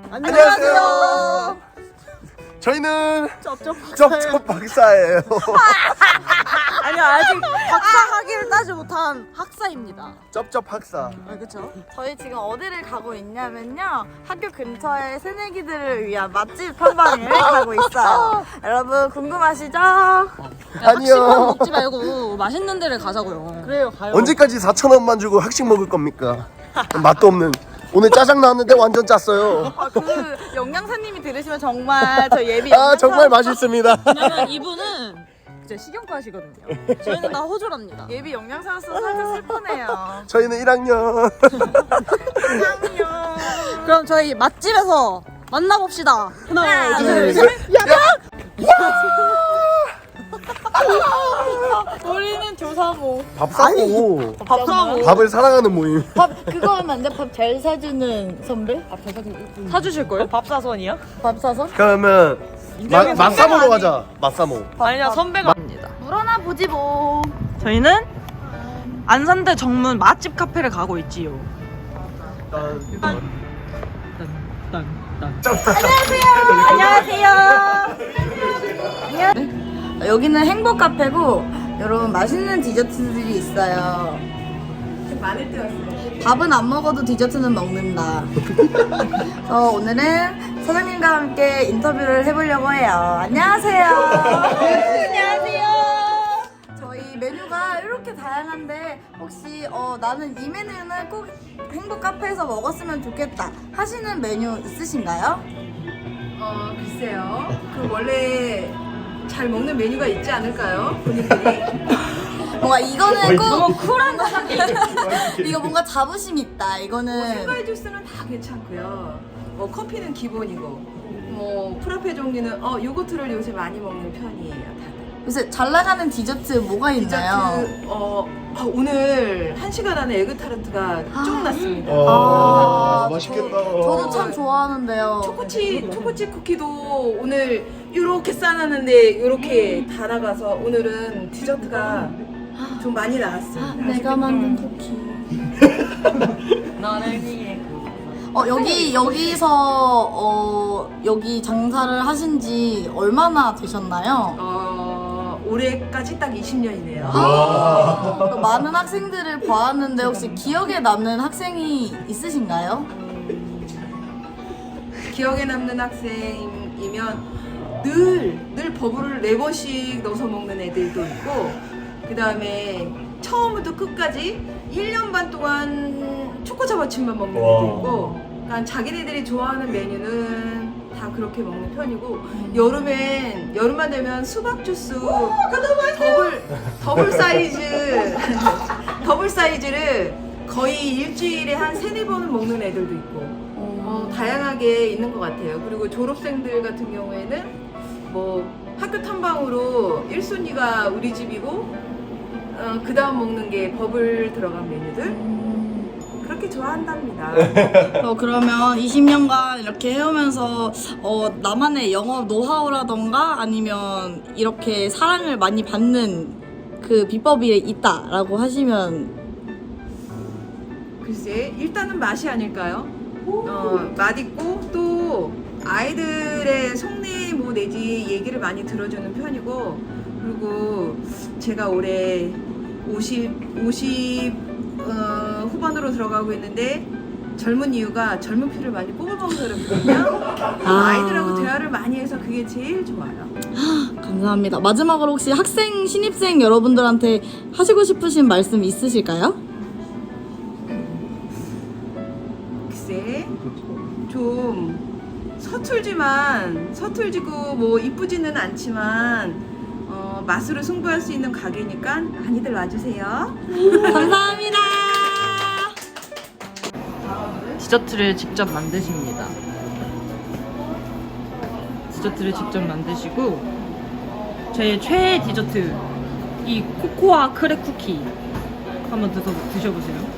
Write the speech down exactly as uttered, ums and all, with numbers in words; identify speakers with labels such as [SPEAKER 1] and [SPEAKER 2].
[SPEAKER 1] 안녕하세요. 저희는
[SPEAKER 2] 쩝쩝
[SPEAKER 1] 쩝쩝 박사예요.
[SPEAKER 2] 아니요, 아직 박사 학위를 따지 못한 학사입니다.
[SPEAKER 1] 쩝쩝 학사.
[SPEAKER 2] 아, 그렇죠?
[SPEAKER 3] 저희 지금 어디를 가고 있냐면요, 학교 근처에 새내기들을 위한 맛집 탐방을 가고 있어요. 여러분 궁금하시죠?
[SPEAKER 2] 학식만
[SPEAKER 1] 아니요.
[SPEAKER 2] 먹지 말고 맛있는 데를 가자고요. 그래요, 가요.
[SPEAKER 1] 언제까지 사천 원만 주고 학식 먹을 겁니까? 맛도 없는. 오늘 짜장 나왔는데 완전 짰어요.
[SPEAKER 3] 아, 그 영양사님이 들으시면 정말 저 예비
[SPEAKER 1] 아
[SPEAKER 3] 영양사
[SPEAKER 1] 정말 맛있습니다.
[SPEAKER 2] 왜냐면 이분은 이제 식용과시거든요. 저희는 다 호주랍니다.
[SPEAKER 3] 예비 영양사로서 살짝 슬프네요.
[SPEAKER 1] 저희는 일 학년.
[SPEAKER 2] 그럼 저희 맛집에서 만나봅시다. 하나,
[SPEAKER 3] 하나,
[SPEAKER 2] 둘,
[SPEAKER 3] 둘,
[SPEAKER 2] 셋.
[SPEAKER 3] 우리는 조사모.
[SPEAKER 1] 밥 사고
[SPEAKER 3] 밥 사모.
[SPEAKER 1] 밥을 사랑하는 모임.
[SPEAKER 3] 밥 그거 하면 안 돼? 밥 잘 사주는 선배?
[SPEAKER 2] 사주실 거예요?
[SPEAKER 4] 밥사선이요?
[SPEAKER 3] 밥 사서?
[SPEAKER 1] 그러면 마, 맛사모로 가자. 맛사모.
[SPEAKER 4] 아니야 선배가
[SPEAKER 3] 물어나 보지 뭐.
[SPEAKER 4] 저희는 안산대 정문 맛집 카페를 가고 있지요.
[SPEAKER 3] 안녕하세요. 여기는 행복 카페고 여러분 맛있는 디저트들이 있어요. 많을 때 왔어요. 밥은 안 먹어도 디저트는 먹는다. 그래서 오늘은 사장님과 함께 인터뷰를 해보려고 해요. 안녕하세요. 안녕하세요. 저희 메뉴가 이렇게 다양한데 혹시 어, 나는 이 메뉴는 꼭 행복 카페에서 먹었으면 좋겠다 하시는 메뉴 있으신가요?
[SPEAKER 5] 어 글쎄요. 그 원래 잘 먹는 메뉴가 있지 않을까요? 본인들이?
[SPEAKER 3] 뭔가 이거는 꼭 쿨한 거 이거 뭔가 자부심 있다.
[SPEAKER 5] 뭐
[SPEAKER 3] 이거는
[SPEAKER 5] 생과일 주스는 다 괜찮고요. 뭐 커피는 기본이고, 뭐 프라페 종류는 어 요거트를 요새 많이 먹는 편이에요. 다들.
[SPEAKER 3] 요새 잘 나가는 디저트 뭐가 있나요?
[SPEAKER 5] 디저트 어, 어, 오늘 한 시간 안에 에그타르트가 쭉 났습니다.
[SPEAKER 1] 아,
[SPEAKER 3] 아,
[SPEAKER 1] 맛있겠다.
[SPEAKER 3] 저도 참 좋아하는데요.
[SPEAKER 5] 초코치 초코칩 쿠키도 오늘 이렇게 싸놨는데 이렇게 다 나가서 오늘은 디저트가 좀 많이 나왔습니다.
[SPEAKER 3] 내가 만든 쿠키.
[SPEAKER 4] 나는 이게
[SPEAKER 3] 어 여기 여기서 어 여기 장사를 하신 지 얼마나 되셨나요?
[SPEAKER 5] 어, 올해까지 딱 이십 년이네요.
[SPEAKER 3] 많은 학생들을 보았는데 혹시 기억에 남는 학생이 있으신가요?
[SPEAKER 5] 기억에 남는 학생이면 늘, 늘 버블을 네 번씩 넣어서 먹는 애들도 있고, 그 다음에 처음부터 끝까지 일 년 반 동안 초코차바칩만 먹는 애도 있고, 그러니까 자기네들이 좋아하는 메뉴는 다 그렇게 먹는 편이고, 여름엔, 여름만 되면 수박 주스 더블, 더블 사이즈, 더블 사이즈를 거의 일주일에 한 세네 번은 먹는 애들도 있고, 어, 다양하게 있는 것 같아요. 그리고 졸업생들 같은 경우에는 뭐 학교 탐방으로 일 순위가 우리 집이고, 어, 그 다음 먹는 게 버블 들어간 메뉴들 그렇게 좋아한답니다.
[SPEAKER 3] 어, 그러면 이십 년간 이렇게 해오면서 어, 나만의 영업 노하우라던가 아니면 이렇게 사랑을 많이 받는 그 비법이 있다라고 하시면
[SPEAKER 5] 글쎄, 일단은 맛이 아닐까요? 어, 맛있고 또 아이들의 속내 뭐 내지 얘기를 많이 들어주는 편이고, 그리고 제가 올해 오십, 오십 어, 후반으로 들어가고 있는데 젊은 이유가 젊은 피를 많이 뽑아먹어서 그렇거든요. 아이들하고 대화를 많이 해서 그게 제일 좋아요.
[SPEAKER 3] 감사합니다. 마지막으로 혹시 학생, 신입생 여러분들한테 하시고 싶으신 말씀 있으실까요?
[SPEAKER 5] 글쎄, 좀 서툴지만 서툴지고 뭐 이쁘지는 않지만 어, 맛으로 승부할 수 있는 가게니까 많이들 와주세요.
[SPEAKER 3] 감사합니다.
[SPEAKER 4] 디저트를 직접 만드십니다. 디저트를 직접 만드시고 제 최애 디저트 이 코코아 크랙 쿠키 한번 드셔, 드셔보세요.